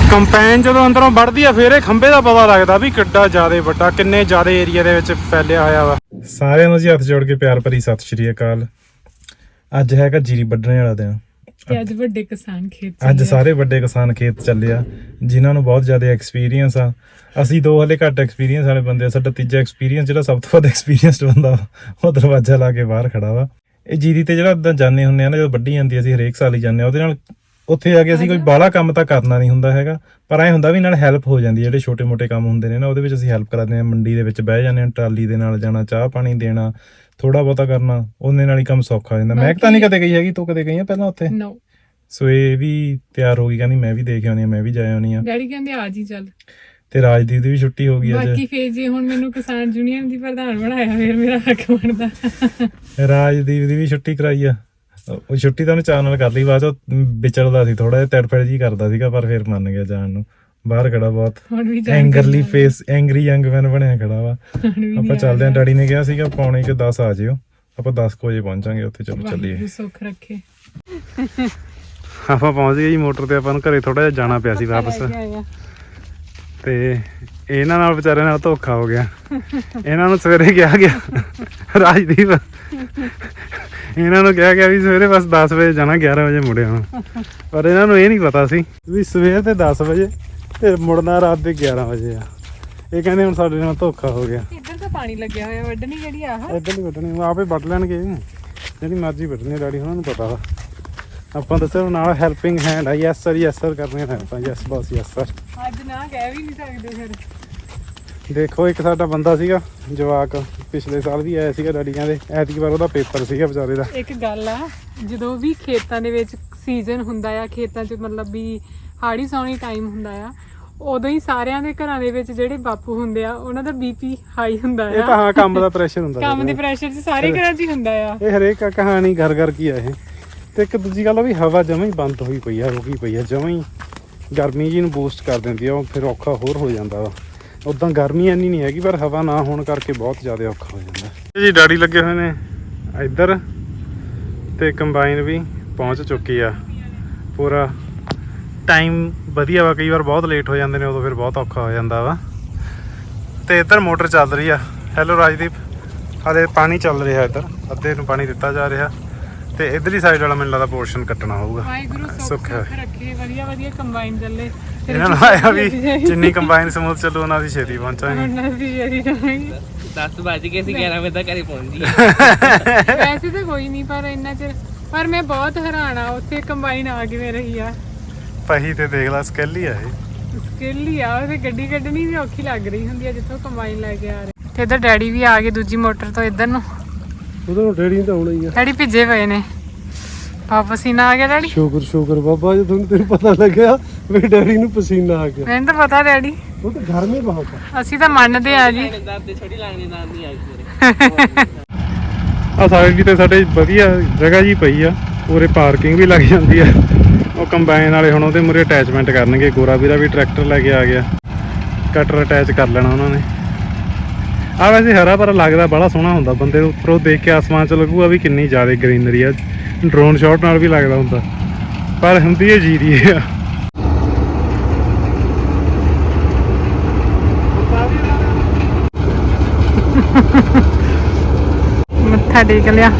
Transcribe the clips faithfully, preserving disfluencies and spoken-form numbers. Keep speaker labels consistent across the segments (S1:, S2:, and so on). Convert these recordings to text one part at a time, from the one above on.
S1: Combine ਜਦੋਂ ਅੰਦਰੋਂ ਵੱਢਦੀ ਆ ਫਿਰ ਇਹ ਖੰਭੇ ਦਾ ਪਤਾ ਲੱਗਦਾ ਵੀ ਕਿੱਡਾ ਜ਼ਿਆਦਾ ਵੱਡਾ, ਕਿੰਨੇ ਜ਼ਿਆਦਾ ਏਰੀਆ ਦੇ ਵਿੱਚ ਫੈਲਿਆ ਹੋਇਆ ਵਾ। ਸਾਰਿਆਂ ਨੂੰ ਜੀ ਹੱਥ ਜੋੜ ਕੇ ਪਿਆਰ ਭਰੀ ਸਤਿ ਸ਼੍ਰੀ ਅਕਾਲ। ਅੱਜ ਹੈਗਾ ਜੀਰੀ ਵੱਢਣੇ ਵਾਲਾ ਦਿਨ
S2: ਤੇ ਅੱਜ ਵੱਡੇ ਕਿਸਾਨ ਖੇਤ
S1: ਅੱਜ ਸਾਰੇ ਵੱਡੇ ਕਿਸਾਨ ਖੇਤ ਚੱਲੇ ਆ, ਜਿਨ੍ਹਾਂ ਨੂੰ ਬਹੁਤ ਜ਼ਿਆਦਾ ਐਕਸਪੀਰੀਅੰਸ ਆ। ਅਸੀਂ ਦੋ ਹਲੇ ਘੱਟ ਐਕਸਪੀਰੀਅੰਸ ਵਾਲੇ ਬੰਦੇ ਆ। ਸਾਡਾ ਤੀਜਾ ਐਕਸਪੀਰੀਅੰਸ ਜਿਹੜਾ ਸਭ ਤੋਂ ਵੱਧ ਐਕਸਪੀਰੀਅੰਸਡ ਬੰਦਾ ਉਹ ਦਰਵਾਜ਼ਾ ਲਾ ਕੇ ਬਾਹਰ ਖੜਾ ਵਾ। ਇਹ ਜੀਰੀ ਤੇ ਜਿਹੜਾ ਇੱਦਾਂ ਜਾਂਦੇ ਹੁੰਦੇ ਆ ਨਾ, ਜਦੋਂ ਵੱਢੀ ਜਾਂਦੀ ਅਸੀਂ ਹਰੇਕ ਸਾਲ ਹੀ ਜਾਂਦੇ ਆ। ਉਹਦੇ ਨਾਲ ਉੱਥੇ ਆ ਕੇ ਅਸੀਂ ਕੋਈ ਬਾਹਲਾ ਕੰਮ ਤਾਂ ਕਰਨਾ ਨਹੀਂ ਹੁੰਦਾ ਹੈਗਾ, ਪਰ ਐਂ ਹੁੰਦਾ ਵੀ ਨਾਲ ਹੈਲਪ ਹੋ ਜਾਂਦੀ ਹੈ। ਜਿਹੜੇ ਛੋਟੇ ਮੋਟੇ ਕੰਮ ਹੁੰਦੇ ਨੇ ਨਾ, ਉਹਦੇ ਵਿੱਚ ਅਸੀਂ ਹੈਲਪ ਕਰਾਉਂਦੇ ਹਾਂ। ਮੰਡੀ ਦੇ ਵਿੱਚ ਬਹਿ ਜਾਂਦੇ ਹਾਂ, ਟਰਾਲੀ ਦੇ ਨਾਲ ਜਾਣਾ, ਚਾਹ ਪਾਣੀ ਦੇਣਾ, ਥੋੜਾ ਬਹੁਤਾ ਕਰਨਾ, ਉਹਦੇ ਨਾਲ ਹੀ ਕੰਮ ਸੌਖਾ ਹੋ ਜਾਂਦਾ। ਮੈਂ ਤਾਂ ਨਹੀਂ ਕਦੇ ਗਈ ਹੈਗੀ, ਤੂੰ ਕਦੇ ਗਈ ਆ ਪਹਿਲਾਂ ਉੱਥੇ? ਸੋ ਇਹ ਵੀ ਤਿਆਰ ਹੋ ਗਈ, ਕਹਿੰਦੀ ਮੈਂ ਵੀ ਦੇਖ ਆਉਣੀ ਆ, ਮੈਂ ਵੀ ਜਾ ਆਉਣੀ ਆ।
S2: ਡੈਡੀ ਕਹਿੰਦੇ ਆ ਜੀ ਚੱਲ। ਤੇ
S1: ਰਾਜਦੀਪ ਦੀ ਵੀ ਛੁੱਟੀ ਹੋ ਗਈ ਅੱਜ।
S2: ਬਾਕੀ ਫੇਰ ਜੇ ਹੁਣ ਮੈਨੂੰ ਕਿਸਾਨ ਯੂਨੀਅਨ ਦੀ ਪ੍ਰਧਾਨ ਬਣਾਇਆ ਫਿਰ ਮੇਰਾ ਹੱਕ ਬਣਦਾ।
S1: ਰਾਜਦੀਪ ਦੀ ਵੀ ਛੁੱਟੀ ਕਰਾਈ ਆ। ਉਹ ਛੁੱਟੀ ਤਾਂ ਉਹਨੇ ਚਾਅ ਨਾਲ ਕਰ ਲਈ, ਬਾਅਦ ਚ ਵਿਚਰਦਾ ਸੀ, ਥੋੜਾ ਜਿਹਾ ਤੜਫੜ ਜੀ ਕਰਦਾ ਸੀਗਾ, ਪਰ ਫਿਰ ਮੰਨ ਗਿਆ ਜਾਣ ਨੂੰ। ਬਾਹਰ ਖੜਾ ਬਹੁਤ angrily face, angry young man ਬਣਿਆ ਖੜਾ ਵਾ। ਆਪਾਂ ਚੱਲਦੇ ਆਂ। ਡੈਡੀ ਨੇ ਕਿਹਾ ਸੀਗਾ ਪੌਣੇ ਕਿ ਦਸ ਆ ਜਿਓ, ਆਪਾਂ ਦਸ ਕੁ ਵਜੇ ਪਹੁੰਚਾਂਗੇ ਉੱਥੇ। ਚਲੋ ਚੱਲੀਏ।
S2: ਸੁੱਖ ਰੱਖੇ।
S1: ਆਪਾਂ ਪਹੁੰਚ ਗਏ ਜੀ ਮੋਟਰ ਤੇ। ਆਪਾਂ ਨੂੰ ਘਰੇ ਥੋੜਾ ਜਿਹਾ ਜਾਣਾ ਪਿਆ ਸੀ ਵਾਪਸ, ਤੇ ਇਹਨਾਂ ਨਾਲ ਵਿਚਾਰਿਆਂ ਨਾਲ ਧੋਖਾ ਹੋ ਗਿਆ। ਇਹਨਾਂ ਨੂੰ ਸਵੇਰੇ ਕਿਹਾ ਗਿਆ, ਰਾਜਦੀਪ ਇਹਨਾਂ ਨੂੰ ਕਿਹਾ ਗਿਆ ਵੀ ਸਵੇਰੇ ਬਸ ਦਸ ਵਜੇ ਜਾਣਾ, ਗਿਆਰਾਂ ਵਜੇ ਮੁੜੇ ਆਉਣਾ। ਪਰ ਇਹਨਾਂ ਨੂੰ ਇਹ ਨਹੀਂ ਪਤਾ ਸੀ ਵੀ ਸਵੇਰ ਦੇ ਦਸ ਵਜੇ ਤੇ ਮੁੜਨਾ ਰਾਤ ਦੇ ਗਿਆਰਾਂ ਵਜੇ ਆ। ਇਹ ਕਹਿੰਦੇ ਹੁਣ ਸਾਡੇ ਨਾਲ ਧੋਖਾ ਹੋ ਗਿਆ।
S2: ਇੱਧਰ ਤਾਂ ਪਾਣੀ ਲੱਗਿਆ ਹੋਇਆ, ਵੱਢਣੀ ਜਿਹੜੀ ਆਹ
S1: ਇੱਧਰ ਨਹੀਂ ਵੱਢਣੀ, ਆਪੇ ਵੱਢ ਲੈਣਗੇ, ਜਿਹੜੀ ਮਰਜ਼ੀ ਵੱਢਣੀ। ਡੈਡੀ ਉਹਨਾਂ ਨੂੰ ਪਤਾ ਵਾ। ਆਪਾਂ ਦੱਸਿਆ ਨਾਲ ਹੈਲਪਿੰਗ ਹੈਂਡ ਆ। ਯੈਸ ਸਰ, ਯੈਸ ਸਰ ਕਰਨੇ ਆ ਆਪਾਂ। ਯੈਸ ਬਸ, ਯੈਸ ਸਰ।
S2: ਅੱਜ ਨਾ ਕਹਿ ਵੀ ਨਹੀਂ ਸਕਦੇ ਫਿਰ।
S1: ਦੇਖੋ ਇੱਕ ਸਾਡਾ ਬੰਦਾ ਸੀਗਾ ਜਵਾਕ, ਪਿਛਲੇ ਸਾਲ ਵੀ ਆਇਆ ਸੀਗਾ। ਡੈਡੀ ਕਹਿੰਦੇ ਐਤਕੀ ਵਾਰ ਉਹਦਾ ਪੇਪਰ ਸੀਗਾ ਵਿਚਾਰੇ ਦਾ।
S2: ਇੱਕ ਗੱਲ ਆ, ਜਦੋਂ ਵੀ ਖੇਤਾਂ ਦੇ ਵਿੱਚ ਸੀਜ਼ਨ ਹੁੰਦਾ ਆ, ਖੇਤਾਂ 'ਚ ਮਤਲਬ ਵੀ ਹਾੜੀ ਸੌਣੀ ਟਾਈਮ ਹੁੰਦਾ ਆ, ਉਦੋਂ ਹੀ ਸਾਰਿਆਂ ਦੇ ਘਰਾਂ ਦੇ ਵਿੱਚ ਜਿਹੜੇ ਬਾਪੂ ਹੁੰਦੇ ਆ ਉਹਨਾਂ ਦਾ ਬੀਪੀ ਹਾਈ ਹੁੰਦਾ ਆ।
S1: ਇਹ ਤਾਂ ਹਾਂ ਕੰਮ ਦਾ ਪ੍ਰੈਸ਼ਰ ਹੁੰਦਾ,
S2: ਕੰਮ ਦੇ ਪ੍ਰੈਸ਼ਰ 'ਚ ਸਾਰੇ ਘਰਾਂ 'ਚ ਹੀ ਹੁੰਦਾ ਆ।
S1: ਇਹ ਹਰੇਕ ਕਹਾਣੀ ਘਰ ਘਰ ਕੀ ਆ ਇਹ। ਤੇ ਇੱਕ ਦੂਜੀ ਗੱਲ ਆ ਵੀ ਹਵਾ ਜਮਾਂ ਹੀ ਬੰਦ ਹੋਈ ਪਈ ਆ, ਰੁਕੀ ਪਈ ਆ ਜਮਾਂ ਹੀ। ਗਰਮੀ ਜੀ ਨੂੰ ਬੂਸਟ ਕਰ ਦਿੰਦੀ ਆ, ਉਹ ਫਿਰ ਔਖਾ ਹੋਰ ਹੋ ਜਾਂਦਾ ਵਾ। ਉੱਦਾਂ ਗਰਮੀ ਇੰਨੀ ਨਹੀਂ ਹੈਗੀ, ਪਰ ਹਵਾ ਨਾ ਹੋਣ ਕਰਕੇ ਬਹੁਤ ਜ਼ਿਆਦਾ ਔਖਾ ਹੋ ਜਾਂਦਾ ਜੀ। ਡੈਡੀ ਲੱਗੇ ਹੋਏ ਨੇ ਇੱਧਰ, ਤੇ ਕੰਬਾਈਨ ਵੀ ਪਹੁੰਚ ਚੁੱਕੀ ਆ। ਪੂਰਾ ਟਾਈਮ ਵਧੀਆ ਵਾ, ਕਈ ਵਾਰ ਬਹੁਤ ਲੇਟ ਹੋ ਜਾਂਦੇ ਨੇ, ਉਦੋਂ ਫਿਰ ਬਹੁਤ ਔਖਾ ਹੋ ਜਾਂਦਾ ਵਾ। ਤੇ ਇੱਧਰ ਮੋਟਰ ਚੱਲ ਰਹੀ ਆ। ਹੈਲੋ ਰਾਜਦੀਪ, ਹਾਲੇ ਪਾਣੀ ਚੱਲ ਰਿਹਾ ਇੱਧਰ, ਅੱਧੇ ਨੂੰ ਪਾਣੀ ਦਿੱਤਾ ਜਾ ਰਿਹਾ, ਤੇ ਇਧਰਲੀ ਸਾਈਡ ਵਾਲਾ ਮੈਨੂੰ ਲੱਗਦਾ ਪੋਰਸ਼ਨ ਕੱਟਣਾ ਹੋਊਗਾ। ਸੁੱਖ
S2: ਰੱਖੇ, ਵਧੀਆ ਵਧੀਆ ਕੰਬਾਈਨ ਚੱਲੇ।
S1: ਇਹਨਾਂ ਨੂੰ ਆਇਆ ਵੀ ਜਿੰਨੀ ਕੰਬਾਈਨ ਸਮੂਥ ਚੱਲੂ ਉਹਨਾਂ ਦੀ ਛੇਤੀ ਪਹੁੰਚਾਂਗੇ।
S3: ਦਸ ਵੱਜ ਗਏ ਸੀ, ਗਿਆਰਾਂ ਵਜੇ ਤੱਕ ਘਰੇ ਪਹੁੰਚ ਗਏ।
S2: ਵੈਸੇ ਤਾਂ ਕੋਈ ਨਹੀਂ, ਪਰ ਇੰਨਾ ਚਿਰ ਪਰ ਮੈਂ ਬਹੁਤ ਹੈਰਾਨ ਆ ਉੱਥੇ ਕੰਬਾਈਨ ਆ ਕਿਵੇਂ ਰਹੀ ਆ।
S1: ਪਹੀ ਤੇ ਦੇਖ ਲਾ, ਸਕਿੱਲ ਹੀ ਆ ਇਹ।
S2: ਸਕਿੱਲ ਹੀ ਆ। ਉਹਦੇ ਗੱਡੀ ਕੱਢਣੀ ਵੀ ਔਖੀ ਲੱਗ ਰਹੀ ਹੁੰਦੀ ਆ ਜਿੱਥੋਂ ਕੰਬਾਈਨ ਲੈ ਕੇ ਆ ਰਹੇ। ਤੇ ਇੱਧਰ ਡੈਡੀ ਵੀ ਆ ਗਏ ਦੂਜੀ ਮੋਟਰ ਤੋਂ ਇੱਧਰ ਨੂੰ।
S1: ਉਧਰ ਨੂੰ ਡੈਡੀ ਤਾਂ ਆਉਣਾ ਹੀ ਆ।
S2: ਡੈਡੀ ਭਿੱਜੇ ਪਏ ਨੇ, ਪਸੀਨਾ ਆ ਗਿਆ ਡੈਡੀ।
S1: ਸ਼ੁਕਰ ਸ਼ੁਕਰ ਬਾਬਾ ਜੀ, ਤੁਹਾਨੂੰ ਤੈਨੂੰ ਪਤਾ ਲੱਗਿਆ ਵੀ ਡੈਡੀ ਨੂੰ ਪਸੀਨਾ ਆ ਗਿਆ।
S2: ਮੈਨੂੰ ਤਾਂ ਪਤਾ ਡੈਡੀ,
S1: ਉਹ ਤਾਂ ਗਰਮੀ ਬਹੁਤ ਆ।
S2: ਅਸੀਂ ਤਾਂ ਮੰਨਦੇ ਆ ਜੀ।
S1: ਆ ਸਾਈਡ ਵੀ ਤੇ ਸਾਡੇ ਵਧੀਆ ਜਗ੍ਹਾ ਜੀ ਪਈ ਆ, ਉਰੇ ਪਾਰਕਿੰਗ ਵੀ ਲੱਗ ਜਾਂਦੀ ਆ। ਉਹ ਕੰਬਾਈਨ ਵਾਲੇ ਹੁਣ ਉਹਦੇ ਮੂਹਰੇ ਅਟੈਚਮੈਂਟ ਕਰਨਗੇ। ਗੋਰਾ ਵੀਰਾ ਵੀ ਟਰੈਕਟਰ ਲੈ ਕੇ ਆ ਗਿਆ, ਕਟਰ ਅਟੈਚ ਕਰ ਲੈਣਾ ਉਹਨਾਂ ਨੇ। ਆ ਵੈਸੇ ਹਰਾ ਭਰਾ ਲੱਗਦਾ, ਬੜਾ ਸੋਹਣਾ ਹੁੰਦਾ। ਬੰਦੇ ਨੂੰ ਉੱਪਰੋਂ ਦੇਖ ਕੇ ਆਸਮਾਨ 'ਚ ਲੱਗੂਗਾ ਵੀ ਕਿੰਨੀ ਜ਼ਿਆਦਾ ਗਰੀਨਰੀ ਆ। ਡਰੋਨ ਸ਼ਾਟ ਨਾਲ ਵੀ ਲੱਗਦਾ ਹੁੰਦਾ, ਪਰ ਹੁੰਦੀ ਹੈ ਜੀਰੀ ਆ।
S2: ਮੱਥਾ ਟੇਕ ਲਿਆ।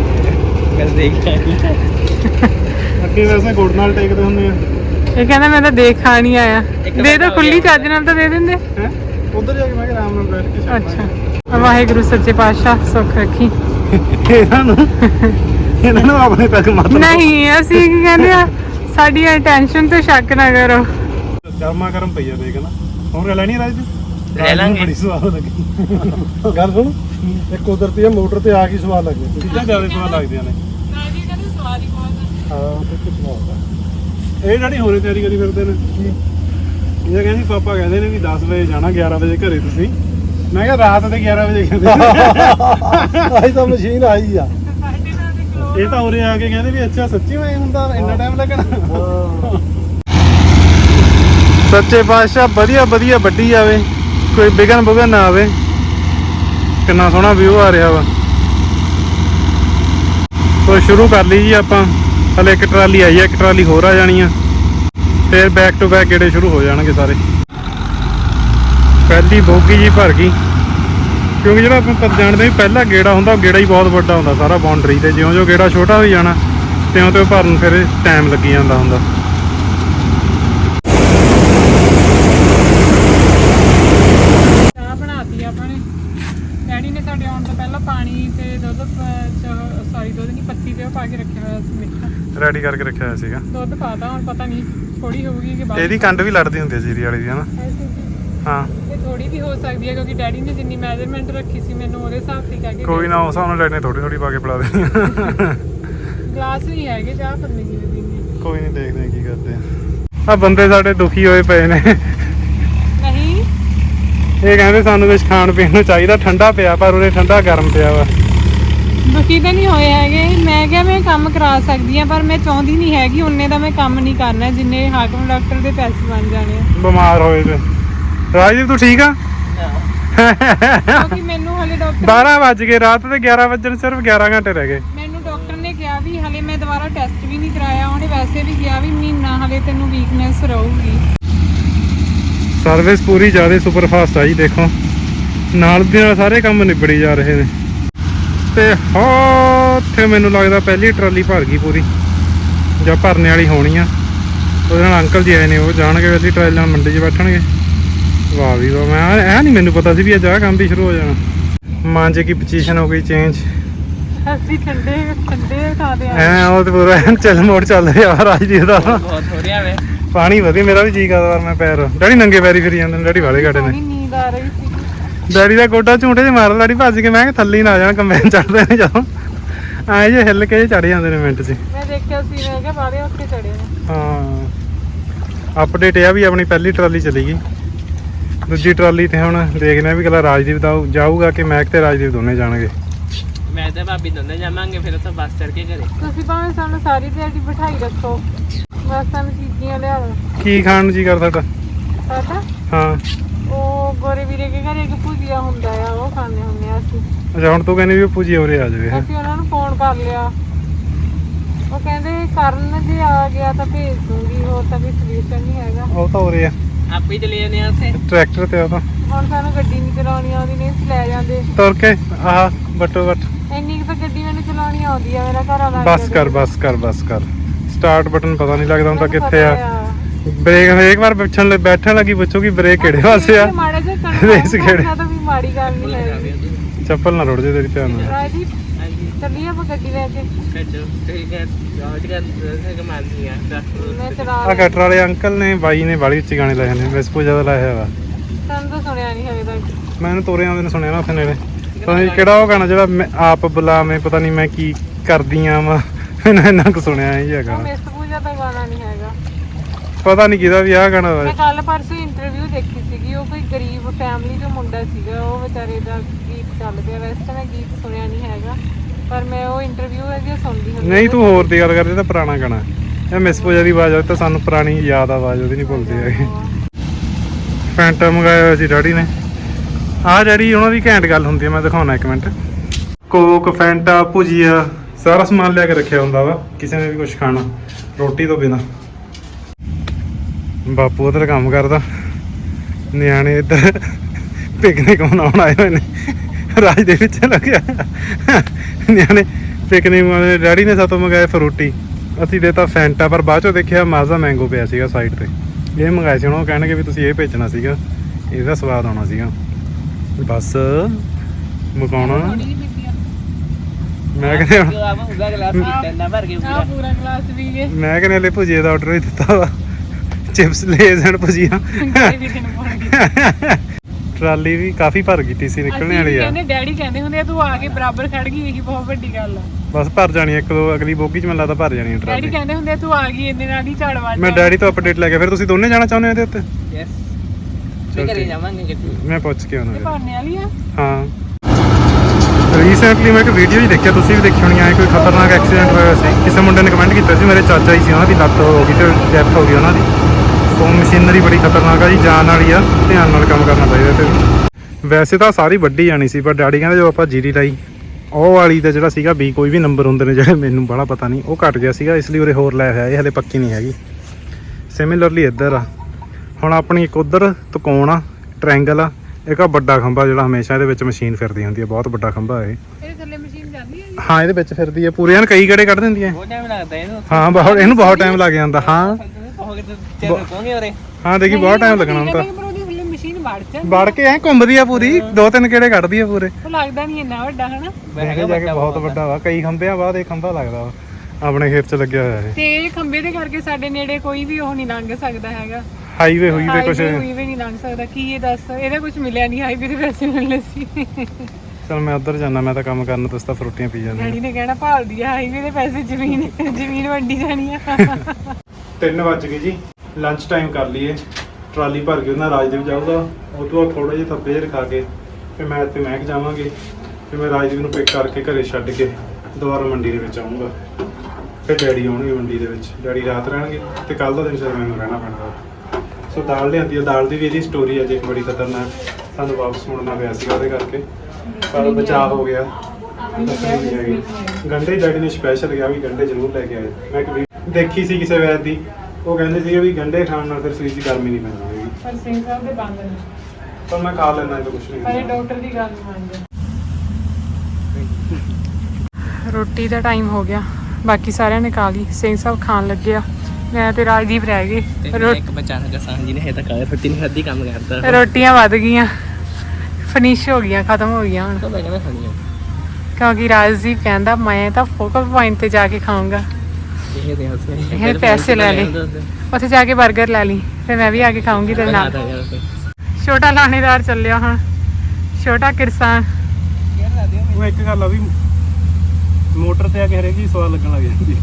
S1: ਅੱਗੇ ਵੈਸੇ ਗੁੜ ਨਾਲ ਟੇਕਦੇ ਹੁੰਦੇ ਆ।
S2: ਇਹ ਕਹਿੰਦਾ ਮੈਂ ਤਾਂ ਦੇਖ ਆ ਨਹੀਂ ਆਇਆ। ਦੇ ਦੋ ਖੁੱਲੀ ਚੱਜ ਨਾਲ ਤਾਂ ਦੇ ਦਿੰਦੇ।
S1: ਉਧਰ ਜਾ ਕੇ ਮੈਂ ਆਰਾਮ ਨਾਲ ਬੈਠ ਕੇ।
S2: ਅੱਛਾ, ਵਾਹਿਗੁਰੂ ਸੱਚੇ ਪਾਤਸ਼ਾਹ ਸੁੱਖ ਰੱਖੀ
S1: ਇਹਨਾਂ ਨੂੰ। ਇਹਨਾਂ ਨੂੰ ਆਪਣੇ ਤੱਕ ਮਤ
S2: ਨਹੀਂ। ਅਸੀਂ ਕੀ ਕਹਿੰਦੇ ਆ, ਸਾਡੀ ਟੈਨਸ਼ਨ ਤੇ ਸ਼ੱਕ ਨਾ ਕਰੋ।
S1: ਗਰਮਾ ਗਰਮ ਪਈ ਆ, ਦੇਖ ਨਾ। ਹੋਰ ਲੈਣੀ ਰਾਜ ਜੀ?
S3: ਲੈ ਲਾਂਗੇ।
S1: ਬੜੀ ਸਵਾਦ ਲੱਗੀ ਗੱਲ ਸੁਣ। ਇੱਕ ਕੁਦਰਤੀ ਮੋਟਰ ਤੇ ਆ ਕੇ ਸਵਾਦ ਲੱਗੇ, ਚੀਜ਼ਾਂ ਜ਼ਿਆਦਾ ਸਵਾਦ ਲੱਗਦੀਆਂ ਨੇ।
S2: ਰਾਜੀ ਕਹਿੰਦੇ ਸਵਾਦ ਹੀ ਬਹੁਤ ਆ।
S1: ਹਾਂ ਤੇ ਕੁਝ ਸਵਾਦ ਆ। ਇਹ ਜਿਹੜੀ ਹੋਰੇ ਤਿਆਰੀ ਕਰੀ ਫਿਰਦੇ ਨੇ, ਇਹ ਕਹਿੰਦੀ ਪਾਪਾ ਕਹਿੰਦੇ ਨੇ ਵੀ ਦਸ ਵਜੇ ਜਾਣਾ, ਗਿਆਰਾਂ ਵਜੇ ਘਰੇ ਤੁਸੀਂ। ਮੈਂ ਕਿਹਾ ਰਾਤ ਦੇ ਗਿਆਰਾਂ ਵਜੇ ਕਹਿੰਦੇ ਅੱਜ ਤਾਂ ਮਸ਼ੀਨ ਆਈ ਆ। ਇਹ ਤਾਂ ਉਰੇ ਆ ਕੇ ਕਹਿੰਦੇ ਵੀ ਅੱਛਾ ਸੱਚੀ ਮੈਂ ਹੁੰਦਾ, ਇੰਨਾ ਟਾਈਮ ਲੱਗਣਾ। ਸੱਚੇ ਪਾਤਸ਼ਾਹ ਵਧੀਆ ਵਧੀਆ ਵੱਢੀ ਜਾਵੇ, ਕੋਈ ਵਿਗਨ ਬੁਗਨ ਨਾ ਆਵੇ। ਕਿੰਨਾ ਸੋਹਣਾ ਵਿਊ ਆ ਰਿਹਾ ਵਾ। ਸੋ ਸ਼ੁਰੂ ਕਰ ਲਈ ਜੀ ਆਪਾਂ। ਹਲੇ ਇੱਕ ਟਰਾਲੀ ਆਈ ਆ, ਇੱਕ ਟਰਾਲੀ ਹੋਰ ਆ ਜਾਣੀ ਆ। ਫਿਰ ਬੈਕ ਟੂ ਬੈਕ ਗੇੜੇ ਸ਼ੁਰੂ ਹੋ ਜਾਣਗੇ ਸਾਰੇ। ਪਹਿਲੀ ਬੋਗੀ ਜੀ ਭਰ ਗਈ ਕਿਉਂਕਿ ਜਿਹੜਾ ਆਪਾਂ ਜਾਣਦੇ ਵੀ ਪਹਿਲਾ ਗੇੜਾ ਹੁੰਦਾ ਉਹ ਗੇੜਾ ਹੀ ਬਹੁਤ ਵੱਡਾ ਹੁੰਦਾ ਸਾਰਾ ਬਾਉਂਡਰੀ ਤੇ। ਜਿਉਂ ਜਿਉਂ ਗੇੜਾ ਛੋਟਾ ਹੋਈ ਜਾਣਾ ਤਿਉਂ ਤਿਉਂ ਭਰਨ ਫਿਰ ਟਾਈਮ ਲੱਗੀ ਜਾਂਦਾ ਹੁੰਦਾ।
S2: ਚਾਹ ਬਣਾਤੀ ਆਪਾਂ ਨੇ। ਡੈਡੀ ਨੇ ਸਾਡੇ ਆਉਣ ਤੋਂ ਪਹਿਲਾਂ ਪਾਣੀ ਤੇ ਦੁੱਧ ਸੌਰੀ ਦੁੱਧ ਨਹੀਂ ਪੱਤੀ ਤੇ ਉਹ ਪਾ ਕੇ ਰੱਖਿਆ ਹੋਇਆ ਸੀ ਮਿੱਠਾ
S1: ਰੈਡੀ ਕਰਕੇ ਰੱਖਿਆ ਹੋਇਆ ਸੀਗਾ।
S2: ਦੁੱਧ ਪਾਤਾ ਹੁਣ ਪਤਾ ਨਹੀਂ ਥੋੜੀ ਹੋਊਗੀ ਕਿ ਬਾਅਦ
S1: ਇਹਦੀ ਕੰਡ ਵੀ ਲੜਦੀ ਹੁੰਦੀ ਹੈ ਜੀਰੀ ਵਾਲੀ ਦੀ ਹਨਾ। ਹਾਂ
S2: ਇਹ ਥੋੜੀ ਵੀ ਹੋ ਸਕਦੀ ਹੈ ਕਿਉਂਕਿ ਡੈਡੀ ਨੇ ਜਿੰਨੀ ਮੈਜ਼ਰਮੈਂਟ ਰੱਖੀ ਸੀ ਮੈਨੂੰ ਉਹਦੇ ਹਿਸਾਬ ਤੇ ਕਹਿ ਕੇ
S1: ਕੋਈ ਨਾ ਉਸ ਹਿਸਾਬ ਨਾਲ ਡੈਡੀ ਨੇ ਥੋੜੀ ਥੋੜੀ ਪਾ ਕੇ ਪਿਲਾ ਦੇਣੀ।
S2: ਗਲਾਸ ਨਹੀਂ ਹੈਗੇ ਚਾਹ ਪੀਣੀ ਕਿਵੇਂ ਪੀਣੀ।
S1: ਕੋਈ ਨਹੀਂ ਦੇਖਦੇ ਕੀ ਕਰਦੇ ਆ। ਆ ਬੰਦੇ ਸਾਡੇ ਦੁਖੀ ਹੋਏ ਪਏ ਨੇ।
S2: ਨਹੀਂ
S1: ਇਹ ਕਹਿੰਦੇ ਸਾਨੂੰ ਕੁਝ ਖਾਣ ਪੀਣ ਨੂੰ ਚਾਹੀਦਾ ਠੰਡਾ ਪਿਆ ਪਰ ਉਹਦੇ ਠੰਡਾ ਗਰਮ ਪਿਆ ਵਾ।
S2: ਦੁਖੀ ਤਾਂ ਨਹੀਂ ਹੋਏ ਹੈਗੇ। ਮੈਂ ਕਿਹਾ ਮੈਂ ਕੰਮ ਕਰਾ ਸਕਦੀ ਹਾਂ ਪਰ ਮੈਂ ਚਾਹੁੰਦੀ ਨਹੀਂ ਹੈਗੀ ਉਨੇ ਦਾ ਮੈਂ ਕੰਮ ਨਹੀਂ ਕਰਨਾ ਜਿੰਨੇ ਹਾਕਮ ਡਾਕਟਰ ਦੇ ਪੈਸੇ ਬਣ ਜਾਣੇ ਆ।
S1: ਬਿਮਾਰ ਹੋਏ ਤੇ ਰਾਜਦੀਪ ਤੂੰ ਠੀਕ ਆ?
S2: ਕਿਉਂਕਿ ਮੈਨੂੰ ਹਲੇ ਡਾਕਟਰ
S1: ਬਾਰਾਂ ਵੱਜ ਗਏ ਰਾਤ ਦੇ ਗਿਆਰਾਂ ਵੱਜਣ ਸਿਰਫ ਗਿਆਰਾਂ ਘੰਟੇ ਰਹਿ ਗਏ।
S2: ਮੈਨੂੰ ਡਾਕਟਰ ਨੇ ਕਿਹਾ ਵੀ ਹਲੇ ਮੈਂ ਦੁਬਾਰਾ ਟੈਸਟ ਵੀ ਨਹੀਂ ਕਰਾਇਆ। ਉਹਨੇ ਵੈਸੇ ਵੀ ਕਿਹਾ ਵੀ ਮਹੀਨਾ ਹਲੇ ਤੈਨੂੰ ਵੀਕਨੈਸ ਰਹੂਗੀ।
S1: ਸਰਵਿਸ ਪੂਰੀ ਜ਼ਿਆਦਾ ਸੁਪਰ ਫਾਸਟ ਆ ਜੀ। ਦੇਖੋ ਨਾਲ ਦੀ ਨਾਲ ਸਾਰੇ ਕੰਮ ਨਿਬੜੀ ਜਾ ਰਹੇ ਨੇ ਤੇ ਹਾਂ ਉੱਥੇ ਮੈਨੂੰ ਲੱਗਦਾ ਪਹਿਲੀ ਟਰਾਲੀ ਭਰ ਗਈ ਪੂਰੀ ਜਾਂ ਭਰਨੇ ਵਾਲੀ ਹੋਣੀ ਆ। ਉਹਦੇ ਨਾਲ ਅੰਕਲ ਜੀ ਆਏ ਨੇ ਉਹ ਜਾਣਗੇ ਪਹਿਲੀ ਟਰਾਲੀ ਨਾਲ ਮੰਡੀ 'ਚ ਬੈਠਣਗੇ। ਵਾਹ ਵੀ ਵਾਹ ਮੈਂ ਇਹ ਨਹੀਂ ਮੈਨੂੰ ਪਤਾ ਸੀ ਵੀ ਅੱਜ ਆਹ ਕੰਮ ਵੀ ਸ਼ੁਰੂ ਹੋ ਜਾਣਾ। ਮਾਂਜੇ ਕੀ ਪੋਜੀਸ਼ਨ ਹੋ ਗਈ ਚੇਂਜ।
S2: ਅਸੀਂ ਠੰਡੇ ਠੰਡੇ ਥਾਂ ਤੇ
S1: ਐ ਉਹ ਤੇ ਪੂਰਾ ਚੱਲ ਮੋੜ ਚੱਲ ਰਿਹਾ ਰਾਜਦੀਪ ਦਾ।
S3: ਬਹੁਤ ਹੋ ਰਿਹਾ ਵੇ
S1: ਪਾਣੀ ਵਧੀਆ ਮੇਰਾ ਵੀ ਜੀ ਕਰਦਾ ਪਰ ਮੈਂ ਪੈਰ ਡੈਡੀ ਨੰਗੇ ਪੈਰੀ ਫਿਰੀ ਜਾਂਦੇ ਨੇ। ਡੈਡੀ ਵਾਲੇ ਗਾੜੇ ਨੇ।
S2: ਨੀਂਦ ਆ ਰਹੀ ਸੀ।
S1: ਡੈਡੀ ਦਾ ਗੋਡਾ ਝੂੰਟੇ 'ਚ ਮਾਰ ਡੈਡੀ ਭੱਜ ਕੇ ਮੈਂ ਕਿ ਥੱਲੇ ਹੀ ਨਾ ਜਾਣ ਕੰਬਾਈਨ ਚੜਦੇ ਨੇ ਜਦੋਂ ਐਂ ਜੇ ਹਿੱਲ ਕੇ ਚੜ ਜਾਂਦੇ ਨੇ ਮਿੰਟ 'ਚ।
S2: ਮੈਂ ਦੇਖਿਆ ਸੀ ਮੈਂ ਕਿਹਾ ਬਾਰੇ ਉੱਥੇ ਚੜੇ ਨੇ।
S1: ਹਾਂ ਅਪਡੇਟ ਇਹ ਆ ਵੀ ਆਪਣੀ ਪਹਿਲੀ ਟਰਾਲੀ ਚਲੀ ਗਈ। ਦੂਜੀ ਟਰਾਲੀ ਤੇ ਹੁਣ ਦੇਖਦੇ ਆ ਵੀ ਕੱਲਾ ਰਾਜਦੀਪ ਦਾ ਜਾਊਗਾ ਕਿ ਮੈਕ ਤੇ ਰਾਜਦੀਪ ਦੋਨੇ ਜਾਣਗੇ।
S3: ਮੈਂ ਤੇ ਭਾਬੀ ਦੋਨੇ ਜਾਵਾਂਗੇ ਫਿਰ ਉੱਥੋਂ ਬੱਸ ਚੜ ਕੇ ਘਰੇ।
S2: ਤੁਸੀਂ ਭਾਵੇਂ ਸਾਨੂੰ ਸਾਰੀ ਦਿਹਾੜੀ ਬਿਠਾਈ ਰੱਖੋ ਬਸ ਸਾਨੂੰ ਚੀਜ਼ੀਆਂ ਲਿਆ ਦਿਓ।
S1: ਕੀ ਖਾਣ ਨੂੰ ਜੀ ਕਰਦਾ ਤੁਹਾਡਾ?
S2: ਸਾਡਾ
S1: ਹਾਂ
S2: ਉਹ ਗੋਰੇ ਵੀਰੇ ਦੇ ਘਰੇ ਇੱਕ ਭੁਜੀਆ ਹੁੰਦਾ ਆ ਉਹ ਖਾਣੇ ਹੁੰਦੇ ਆ ਅਸੀਂ।
S1: ਅੱਛਾ ਹੁਣ ਤੂੰ ਕਹਿੰਦੀ ਵੀ ਪੂਜੀ ਉਰੇ ਆ ਜਾਵੇ।
S2: ਅਸੀਂ ਉਹਨਾਂ ਨੂੰ ਫੋਨ ਕਰ ਲਿਆ ਉਹ ਕਹਿੰਦੇ ਕਰਨ ਜੇ ਆ ਗਿਆ ਤਾਂ ਭੇਜ ਦੂੰਗੀ ਹੋਰ ਤਾਂ ਕੋਈ ਸੋਲੂਸ਼ਨ ਨਹੀਂ ਹੈਗਾ।
S1: ਉਹ ਤਾਂ ਉਰੇ ਆ
S3: ਆਪੇ ਚਲੇ ਜਾਂਦੇ ਆ ਉੱਥੇ
S1: ਟਰੈਕਟਰ ਤੇ। ਉਹ ਤਾਂ
S2: ਹੁਣ ਸਾਨੂੰ ਗੱਡੀ ਨਹੀਂ ਚਲਾਉਣੀ ਆਉਂਦੀ ਨਹੀਂ ਅਸੀਂ ਲੈ ਜਾਂਦੇ
S1: ਤੁਰ ਕੇ ਆਹ ਬਟੋ ਬਟ।
S2: ਇੰਨੀ ਕੁ ਤਾਂ ਗੱਡੀ ਮੈਨੂੰ ਚਲਾਉਣੀ ਆਉਂਦੀ ਆ ਮੇਰਾ ਘਰ ਵਾਲਾ।
S1: ਬਸ ਕਰ ਬਸ ਕਰ ਬਸ ਕਰ ਸਟਾਰਟ ਬਟਨ ਪਤਾ ਨਹੀਂ ਲੱਗਦਾ ਹੁੰਦਾ ਕਿੱਥੇ ਆ। ਬ੍ਰੇਕ ਇੱਕ ਵਾਰ ਪਿੱਛਣ ਲੱਗ ਬੈਠਣ ਲੱਗੀ ਪੁੱਛੋਗੀ ਬ੍ਰੇਕ ਕਿਹੜੇ ਪਾਸੇ ਆ।
S2: ਮਾੜਾ ਜਿਹਾ
S1: ਰੇਸ ਕਿਹੜੇ
S2: ਤਾਂ ਵੀ ਮਾੜੀ ਗੱਲ ਨਹੀਂ ਹੈ।
S1: ਚੱਪਲ ਨਾ ਰੁੜ ਜੇ ਤੇਰੀ ਧਿਆਨ ਨਾਲ।
S2: ਰਾਜੀ
S3: ਹਾਂਜੀ
S2: ਚੱਲੀਏ ਆਪਾਂ ਗੱਡੀ ਲੈ ਕੇ।
S3: ਕੱਢੋ ਠੀਕ ਹੈ ਰੋਜ਼ ਕਰ ਸੇ ਕਮਾਉਂਦੀ ਆ
S2: ਮੈਂ ਚਲਾ
S1: ਆ ਕਟਰ ਵਾਲੇ ਅੰਕਲ ਨੇ ਬਾਈ ਨੇ ਬਾਲੀ ਉੱਚੀ ਗਾਣੇ ਲਾਏ ਨੇ ਮਿਸ ਪੂਜਾ ਦਾ ਲਾਇਆ ਵਾ।
S2: ਸਾਨੂੰ ਤਾਂ ਸੁਣਿਆ ਨਹੀਂ ਹਜੇ ਤੱਕ।
S1: ਮੈਂ ਇਹਨੂੰ ਤੋਰੇ ਆਉਂਦੇ ਨੇ ਸੁਣਿਆ ਨਾ ਉੱਥੇ ਨੇੜੇ। ਪਤਾ ਨਹੀਂ ਕਿਹੜਾ ਉਹ ਗਾਣਾ ਜਿਹੜਾ ਮੈਂ ਆਪ ਬੁਲਾਵੇਂ ਪਤਾ ਨਹੀਂ ਮੈਂ ਕੀ ਕਰਦੀਆਂ ਵਾ। ਇਹਨਾਂ ਇੰਨਾ ਕੁ ਸੁਣਿਆ ਹੀ ਹੈਗਾ।
S2: ਉਹ ਮਿਸ ਪੂਜਾ ਦਾ ਗਾਣਾ ਨਹੀਂ ਹੈਗਾ।
S1: ਪਤਾ ਨਹੀਂ ਕਿਹਦਾ ਵੀ ਆਹ ਗਾਣਾ ਵਾ।
S2: ਮੈਂ ਕੱਲ ਪਰਸੋਂ ਇੰਟਰਵਿਊ ਦੇਖੀ ਸੀਗੀ ਉਹ ਕੋਈ ਗਰੀਬ ਫੈਮਿਲੀ ਚੋਂ ਮੁੰਡਾ ਸੀਗਾ ਉਹ ਵਿਚਾਰੇ ਦਾ ਗੀਤ ਚੱਲ ਪਿਆ। ਵੈਸੇ ਤਾਂ ਮੈਂ ਗੀਤ ਸੁਣਿਆ ਨਹੀਂ ਹੈਗਾ ਪਰ ਮੈਂ ਉਹ ਇੰਟਰਵਿਊ ਹੈ ਜੀ ਸੁਣਦੀ ਹੁੰਦੀ।
S1: ਨਹੀਂ ਤੂੰ ਹੋਰ ਦੀ ਗੱਲ ਕਰਦੇ ਤਾਂ ਪੁਰਾਣਾ ਗਾਣਾ ਇਹ ਮਿਸ ਪੂਜਾ ਦੀ ਆਵਾਜ਼ ਆ ਤਾਂ ਸਾਨੂੰ ਪੁਰਾਣੀ ਯਾਦ ਆਵਾਜ਼ ਉਹਦੀ ਨਹੀਂ ਭੁੱਲਦੀ ਹੈਗੀ। ਫੈਂਟਾ ਮੰਗਾਇਆ ਹੋਇਆ ਸੀ ਡੈਡੀ ਨੇ। ਆਹ ਡੈਡੀ ਉਹਨਾਂ ਦੀ ਘੈਂਟ ਗੱਲ ਹੁੰਦੀ ਹੈ ਮੈਂ ਦਿਖਾਉਣਾ ਇੱਕ ਮਿੰਟ। ਕੋਕ ਫੈਂਟਾ ਭੁਜੀਆ ਸਾਰਾ ਸਮਾਨ ਲਿਆ ਕੇ ਰੱਖਿਆ ਹੁੰਦਾ ਵਾ ਕਿਸੇ ਨੇ ਵੀ ਕੁਝ ਖਾਣਾ ਰੋਟੀ ਤੋਂ ਬਿਨਾ। ਬਾਪੂ ਉਧਰ ਕੰਮ ਕਰਦਾ ਨਿਆਣੇ ਇੱਧਰ ਪਿਕਨਿਕ ਮਨਾਉਣ ਆਏ ਹੋਏ ਨੇ। ਰਾਜ ਦੇ ਵਿੱਚ ਲੱਗਿਆ ਨਿਆਣੇ ਪਿਕਨਿਕ ਮਨਾਉਣ। ਡੈਡੀ ਨੇ ਸਾਤੋਂ ਮੰਗਾਇਆ ਫਰੂਟੀ ਅਸੀਂ ਦੇਤਾ ਫੈਂਟਾ ਪਰ ਬਾਅਦ ਚੋਂ ਦੇਖਿਆ ਮਾਜ਼ਾ ਮੈਂਗੋ ਪਿਆ ਸੀਗਾ ਸਾਈਡ ਤੇ। ਇਹ ਮੰਗਾਏ ਸੀ ਹੁਣ ਉਹ ਕਹਿਣਗੇ ਵੀ ਤੁਸੀਂ ਇਹ ਭੇਜਣਾ ਸੀਗਾ ਇਹਦਾ ਸਵਾਦ ਆਉਣਾ ਸੀਗਾ। ਬਸ ਮੁਕਾਉਣਾ ਮੈਂ ਕਹਿੰਦੇ ਹੁਣ
S3: ਆਪ ਉਹਦਾ ਗਲਾਸ ਪੀਤਾ ਭਰ ਕੇ
S2: ਆ ਪੂਰਾ ਗਲਾਸ ਪੀ ਗਏ।
S1: ਮੈਂ ਕਹਿੰਦੇ ਹਲੇ ਭੁਜੀਏ ਦਾ ਆਰਡਰ ਵੀ ਦਿੱਤਾ ਵਾ ਚਿਪਸ ਲੇਜ਼ ਐਂਡ ਭੁਜੀਆ।
S2: ਵੀ ਦਿਨ ਪਾ ਗਏ।
S1: ਟਰਾਲੀ ਵੀ ਕਾਫੀ ਭਰ ਗਈ ਟੀਸੀ ਨਿਕਲਣੇ ਵਾਲੀ ਆ।
S2: ਕਹਿੰਦੇ ਡੈਡੀ ਕਹਿੰਦੇ ਹੁੰਦੇ ਆ ਤੂੰ ਆ ਕੇ ਬਰਾਬਰ ਖੜ ਗਈ ਇਹੀ ਬਹੁਤ ਵੱਡੀ ਗੱਲ ਆ।
S1: ਬਸ ਭਰ ਜਾਣੀ ਇੱਕ ਦੋ ਅਗਲੀ ਬੋਗੀ ਚ ਮੈਨੂੰ ਲੱਗਦਾ ਭਰ ਜਾਣੀ
S2: ਡੈਡੀ
S1: ਟਰਾਲੀ।
S2: ਕਹਿੰਦੇ ਹੁੰਦੇ ਆ ਤੂੰ ਆ ਗਈ ਇੰਨੇ ਨਾਲ ਹੀ ਝਾੜ ਵੱਜ
S1: ਮੈਂ ਡੈਡੀ ਤੋਂ ਅਪਡੇਟ ਲੈ ਕੇ ਫਿਰ ਤੁਸੀਂ ਦੋਨੇ ਜਾਣਾ ਚਾਹੁੰਦੇ ਹੋ ਇਹਦੇ ਉੱਤੇ?
S3: ਯੈਸ ਤੇ ਘਰੇ ਜਾਵਾਂਗੇ ਕਿਤੇ।
S1: ਮੈਂ ਪੁੱਛ ਕੇ ਆਉਣਾ
S2: ਇਹ
S1: ਫਿਰ।
S2: ਭਾਣੇ ਵਾਲੀ ਆ।
S1: ਹਾਂ ਰੀਸੈਂਟਲੀ ਮੈਂ ਇੱਕ ਵੀਡੀਓ ਹੀ ਦੇਖਿਆ ਤੁਸੀਂ ਵੀ ਦੇਖੀ ਹੋਣੀ ਆ। ਕੋਈ ਖਤਰਨਾਕ ਐਕਸੀਡੈਂਟ ਹੋਇਆ ਸੀ ਕਿਸੇ ਮੁੰਡੇ ਨੇ ਕਮੈਂਟ ਕੀਤਾ ਸੀ ਮੇਰੇ ਚਾਚਾ ਜੀ ਸੀ ਉਹਨਾਂ ਦੀ ਲੱਤ ਹੋ ਗਈ ਤੇ ਡੈਥ ਹੋ ਗਈ ਉਹਨਾਂ ਦੀ। ਸੋ ਮਸ਼ੀਨਰੀ ਬੜੀ ਖਤਰਨਾਕ ਆ ਜੀ ਜਾਨ ਵਾਲੀ ਆ ਧਿਆਨ ਨਾਲ ਕੰਮ ਕਰਨਾ ਚਾਹੀਦਾ। ਤੇ ਵੈਸੇ ਤਾਂ ਸਾਰੀ ਵੱਡੀ ਜਾਣੀ ਸੀ ਪਰ ਡੈਡੀ ਕਹਿੰਦੇ ਜੋ ਆਪਾਂ ਜੀਰੀ ਲਾਈ ਉਹ ਵਾਲੀ ਦਾ ਜਿਹੜਾ ਸੀਗਾ ਵੀ ਕੋਈ ਵੀ ਨੰਬਰ ਹੁੰਦੇ ਨੇ ਜਿਹੜੇ ਮੈਨੂੰ ਬੜਾ ਪਤਾ ਨਹੀਂ ਉਹ ਘਟ ਗਿਆ ਸੀਗਾ ਇਸ ਲਈ ਉਰੇ ਹੋਰ ਲਾਇਆ ਹੋਇਆ ਇਹ ਹਲੇ ਪੱਕੀ ਨਹੀਂ ਹੈਗੀ। ਸਿਮਿਲਰਲੀ ਇੱਧਰ ਆ। ਹੁਣ ਆਪਣੀ ਇੱਕ ਉੱਧਰ ਤਕੋਣ ਆ, ਟ੍ਰਾਇੰਗਲ ਆ, ਇੱਕ ਆ ਵੱਡਾ ਖੰਭਾ ਜਿਹੜਾ ਹਮੇਸ਼ਾ ਇਹਦੇ ਵਿੱਚ ਮਸ਼ੀਨ ਫਿਰਦੀ ਹੁੰਦੀ ਹੈ। ਬਹੁਤ ਵੱਡਾ ਖੰਭਾ ਇਹ।
S2: ਇਹਦੇ ਥੱਲੇ ਮਸ਼ੀਨ ਜਾਂਦੀ ਹੈ ਜੀ?
S1: ਹਾਂ ਇਹਦੇ ਵਿੱਚ ਫਿਰਦੀ ਹੈ ਪੂਰੇ ਐਨ ਕਈ ਗੇੜੇ ਕੱਢ ਦਿੰਦੀ ਹੈ।
S3: ਬਹੁਤ ਟਾਈਮ ਲੱਗਦਾ ਇਹਨੂੰ।
S1: ਹਾਂ ਬਹੁਤ, ਇਹਨੂੰ ਬਹੁਤ ਟਾਈਮ ਲੱਗ ਜਾਂਦਾ। ਹਾਂ
S3: ਬਹੁਤ ਚਿਰ ਰੁਕੋਗੇ ਉਰੇ।
S1: ਹਾਂ ਦੇਖੀ ਬਹੁਤ ਟਾਈਮ ਲੱਗਣਾ ਹੁਣ ਤਾਂ।
S2: ਪਰ ਉਹਦੀ ਥੱਲੇ ਮਸ਼ੀਨ ਵੜ ਚ
S1: ਵੜ ਕੇ ਐ ਘੁੰਮਦੀ ਆ ਪੂਰੀ, ਦੋ ਤਿੰਨ ਗੇੜੇ ਕੱਢਦੀ ਆ ਪੂਰੇ।
S2: ਉਹ ਲੱਗਦਾ ਨਹੀਂ ਇੰਨਾ ਵੱਡਾ ਹਨਾ।
S1: ਦੇਖੇ ਜਾ ਕੇ ਬਹੁਤ ਵੱਡਾ ਵਾ, ਕਈ ਖੰਭਿਆਂ ਬਾਅਦ ਇਹ ਖੰਭਾ ਲੱਗਦਾ ਵਾ ਆਪਣੇ ਖੇਤ 'ਚ ਲੱਗਿਆ ਹੋਇਆ ਇਹ।
S2: ਤੇ ਇਹ ਖੰਭੇ ਦੇ ਕਰਕੇ ਸਾਡੇ ਨੇੜੇ ਕੋਈ ਵੀ ਉਹ ਨਹੀਂ ਲੰਘ ਸਕਦਾ ਹੈਗਾ।
S1: ਹਾਈਵੇ ਹੋਈ ਵੇ ਕੁਛ।
S2: ਕੋਈ ਵੀ ਨਹੀਂ ਲੰਘ ਸਕਦਾ। ਕੀ ਇਹ ਦੱਸ, ਇਹਦਾ ਕੁਝ ਮਿਲਿਆ ਨਹੀਂ ਹਾਈਵੇ ਦੇ ਪੈਸੇ ਮਿਲਨੇ ਸੀ।
S1: ਚਲ ਮੈਂ ਉੱਧਰ ਜਾਣਾ, ਮੈਂ ਤਾਂ ਕੰਮ ਕਰਨ, ਤੁਸੀਂ ਤਾਂ ਫਰੂਟੀਆਂ ਪੀ ਜਾਂਦੇ।
S2: ਡੈਡੀ ਨੇ ਕਹਿਣਾ ਭਾਲਦੀ ਆ ਹਾਈਵੇ ਦੇ ਪੈਸੇ, ਜ਼ਮੀਨ ਜ਼ਮੀਨ ਵੰਡੀ ਜਾਣੀ ਆ।
S1: ਤਿੰਨ ਵੱਜ ਗਏ ਜੀ, ਲੰਚ ਟਾਈਮ ਕਰ ਲਈਏ। ਟਰਾਲੀ ਭਰ ਕੇ ਉਹਨਾਂ ਰਾਜਦੀਪ ਜਾਊਗਾ, ਉਹ ਤੋਂ ਬਾਅਦ ਥੋੜਾ ਜਿਹਾ ਥੱਬੇ ਜਿਹੇ ਰਖਾ ਕੇ ਫਿਰ ਮੈਂ ਤੇ ਮਹਿਕ ਜਾਵਾਂਗੇ। ਫਿਰ ਮੈਂ ਰਾਜਦੀਪ ਨੂੰ ਪਿਕ ਕਰਕੇ ਘਰੇ ਛੱਡ ਕੇ ਦੁਬਾਰਾ ਮੰਡੀ ਦੇ ਵਿੱਚ ਆਊਂਗਾ। ਫਿਰ ਡੈਡੀ ਆਉਣਗੇ ਮੰਡੀ ਦੇ ਵਿੱਚ, ਡੈਡੀ ਰਾਤ ਰਹਿਣਗੇ ਤੇ ਕੱਲ ਦਾ ਦਿਨ ਸਿਰ ਮੈਨੂੰ ਰਹਿਣਾ ਪੈਣਾ। ਸੋ ਦਾਲ ਲਿਆਂਦੀ ਆ, ਦਾਲ ਦੀ ਵੀ ਇਹਦੀ ਸਟੋਰੀ ਹੈ ਜੀ ਇੱਕ ਬੜੀ ਖਤਰਨਾਕ। ਸਾਨੂੰ ਵਾਪਸ ਮੁੜਨਾ ਪਿਆ ਸੀਗਾ ਉਹਦੇ ਕਰਕੇ, ਪਰ ਬਚਾਅ ਹੋ ਗਿਆ। ਗੰਢੇ ਡੈਡੀ ਨੇ ਸਪੈਸ਼ਲ ਕਿਹਾ ਵੀ ਗੰਢੇ ਜ਼ਰੂਰ ਲੈ ਕੇ ਆਏ। ਮੈਂ ਇੱਕ ਵੀ ਦੇਖੀ ਸੀ ਕਿਸੇ ਵੈਦ ਦੀ, ਉਹ ਕਹਿੰਦੇ ਸੀਗੇ ਵੀ ਗੰਢੇ ਖਾਣ ਨਾਲ ਫਿਰ ਸਰੀਰ 'ਚ ਗਰਮੀ ਨਹੀਂ ਪੈਂਦੀ ਹੈਗੀ।
S2: ਪਰ ਸਿੰਘ ਸਾਹਿਬ ਦੇ ਬੰਦ ਨੇ,
S1: ਪਰ ਮੈਂ ਖਾ ਲੈਂਦਾ, ਇਹ ਤਾਂ ਕੁਛ
S2: ਪਰ ਇਹ
S1: ਨਹੀਂ।
S2: ਡਾਕਟਰ ਦੀ ਗੱਲ ਨਹੀਂ ਮੰਨਦੇ। ਰੋਟੀ ਦਾ ਟਾਈਮ ਹੋ ਗਿਆ, ਬਾਕੀ ਸਾਰਿਆਂ ਨੇ ਖਾ ਲਈ। ਸਿੰਘ ਸਾਹਿਬ ਖਾਣ ਲੱਗੇ ਆ, ਮੈਂ ਤੇ ਰਾਜਦੀਪ ਰਹਿ ਗਏ।
S3: ਤੇ ਇੱਕ ਬਚਾਣਾ ਦਾ ਸਾਂਝੀ ਨੇ ਹੈ ਤਾਂ ਕਾਲੇ ਫੱਟੀ ਨਹੀਂ ਹੱਦੀ ਕੰਮ ਕਰਦਾ।
S2: ਰੋਟੀਆਂ ਵੱਧ ਗਈਆਂ, ਫਿਨਿਸ਼ ਹੋ ਗਈਆਂ, ਖਤਮ ਹੋ ਗਈਆਂ ਹੁਣ।
S3: ਤਾਂ ਮੈਂ ਕਹਿੰਦਾ ਖਾਣੀ ਆ।
S2: ਕਿਉਂਕਿ ਰਾਜਦੀਪ ਕਹਿੰਦਾ ਮੈਂ ਤਾਂ ਫੋਕਲ ਪੁਆਇੰਟ ਤੇ ਜਾ ਕੇ ਖਾਊਂਗਾ।
S3: ਇਹ ਦੇ ਹੱਸੇ
S2: ਇਹ ਪੈਸੇ ਲੈ ਲੈ, ਉੱਥੇ ਜਾ ਕੇ 버ਗਰ ਲੈ ਲਈ, ਫਿਰ ਮੈਂ ਵੀ ਆ ਕੇ ਖਾਊਂਗੀ ਤੇਰੇ ਨਾਲ। ਛੋਟਾ ਲਾਣੇਦਾਰ ਚੱਲਿਆ ਹੁਣ, ਛੋਟਾ ਕਿਰਸਾਨ।
S1: ਉਹ ਇੱਕ ਗੱਲ ਆ ਵੀ ਮੋਟਰ ਤੇ ਆ ਕੇ ਹਰੇਕ ਚੀਜ਼ ਸਵਾਦ ਲੱਗਣ ਲੱਗ ਜਾਂਦੀ।